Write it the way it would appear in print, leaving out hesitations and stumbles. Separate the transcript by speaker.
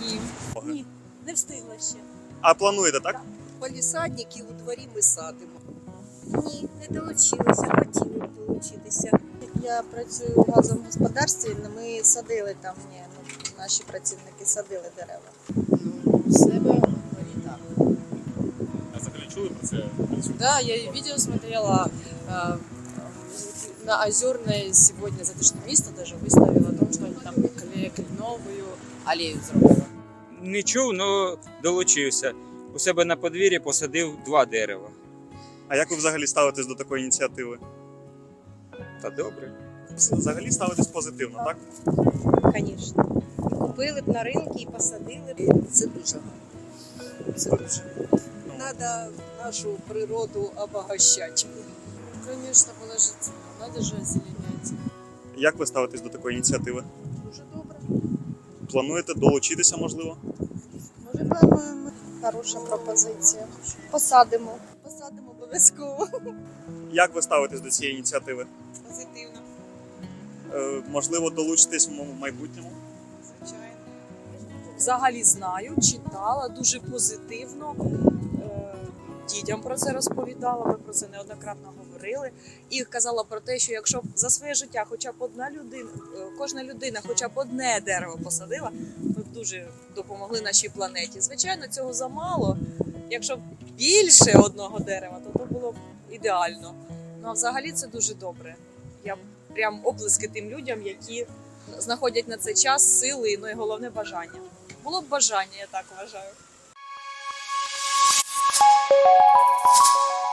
Speaker 1: Ні. Ні, не встигла ще.
Speaker 2: А плануєте, так?
Speaker 3: Палісадники у дворі ми садимо.
Speaker 4: Ні, не долучилися, хотіли б долучитися.
Speaker 5: Я працюю в газовому господарстві, ми садили там, наші працівники садили дерева.
Speaker 3: У себе у дворі так.
Speaker 2: А взагалі чули про це?
Speaker 6: Да, я и видео смотрела. На Озерной сегодня затишное место даже выставила о том, что они там кленовую аллею зробили.
Speaker 7: Не чув, але долучився. У себе на подвір'ї посадив 2 дерева.
Speaker 2: А як ви взагалі ставитесь до такої ініціативи?
Speaker 7: Та добре.
Speaker 2: Взагалі ставитесь позитивно, так?
Speaker 4: Звісно. Купили б на ринку і посадили б.
Speaker 3: Це дуже гарно. Це дуже гарно. Треба нашу природу обогащати.
Speaker 6: Конечно, положительно. Надо же озеленять.
Speaker 2: Як ви ставитесь до такої ініціативи?
Speaker 5: Дуже добре.
Speaker 2: Плануєте долучитися, можливо?
Speaker 5: Може, плануємо. Хороша пропозиція. Посадимо. Посадимо обов'язково.
Speaker 2: Як ви ставитесь до цієї ініціативи?
Speaker 5: Позитивно.
Speaker 2: Можливо, долучитесь в майбутньому?
Speaker 5: Звичайно.
Speaker 1: Взагалі знаю, читала, дуже позитивно. Дітям про це розповідала, ми про це неоднократно говорили. І казала про те, що якщо б за своє життя хоча б одна людина, кожна людина хоча б одне дерево посадила, ми б дуже допомогли нашій планеті. Звичайно, цього замало. Якщо б більше одного дерева, то було б ідеально. Ну а взагалі це дуже добре. Я прям оплески тим людям, які знаходять на це час, сили, ну і головне бажання. Було б бажання, я так вважаю.